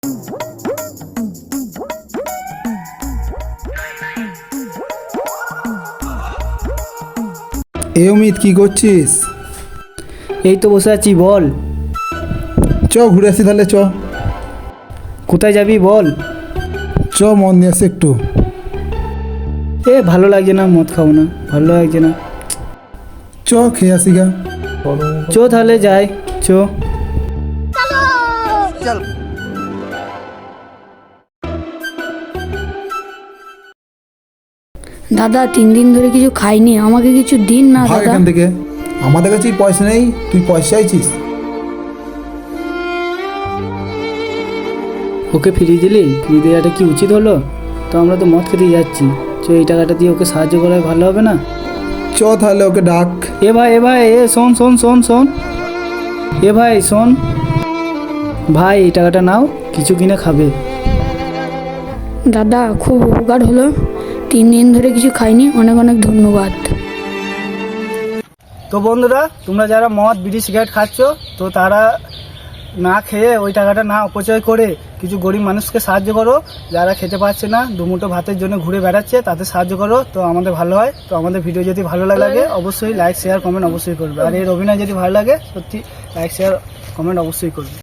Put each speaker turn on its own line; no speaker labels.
অমিত, কি করছিস?
এই তো বসে আছি, বল।
চ ঘুরে আসি তাহলে, চ।
কোথায় যাবি বল?
চ, মন নিয়ে আসি একটু।
ভালো লাগছে না, মদ খাবো না, ভালো লাগছে না।
চ খেয়ে আসি গা।
চো তাহলে যাই, চো।
দাদা 3 দিন ধরে কিছু খাইনি, আমাকে কিছু দিন না
ভাগ
দাদা।
এখান থেকে, আমাদের কাছে পয়সা নেই, তুই পয়সা চাইছিস?
ওকে ফিরিয়ে দিলি? ফিরিয়ে দেওয়াটা কি উচিত হলো? তো আমরা তো মদ খেতে যাচ্ছি, চো এই টাকাটা দিয়ে ওকে সাহায্য করা ভালো হবে না?
চ তাহলে ওকে ডাক।
এ ভাই শোন শোন শোন শোন, ভাই শোন, ভাই এই টাকাটা নাও, কিছু কিনে খাবে।
দাদা খুব উপকার হলো, 3 দিন ধরে কিছু খাইনি, অনেক অনেক ধন্যবাদ।
তো বন্ধুরা, তোমরা যারা মদ বিড়ি সিগারেট খাচ্ছ, তো তারা না খেয়ে ওই টাকাটা না অপচয় করে কিছু গরিব মানুষকে সাহায্য করো। যারা খেতে পারছে না, দুমুঠো ভাতের জন্য ঘুরে বেড়াচ্ছে, তাদের সাহায্য করো, তো আমাদের ভালো হয়। তো আমাদের ভিডিও যদি ভালো লাগে অবশ্যই লাইক শেয়ার কমেন্ট অবশ্যই করবে। আর এর অভিনয় যদি ভালো লাগে, সত্যি লাইক শেয়ার কমেন্ট অবশ্যই করবে।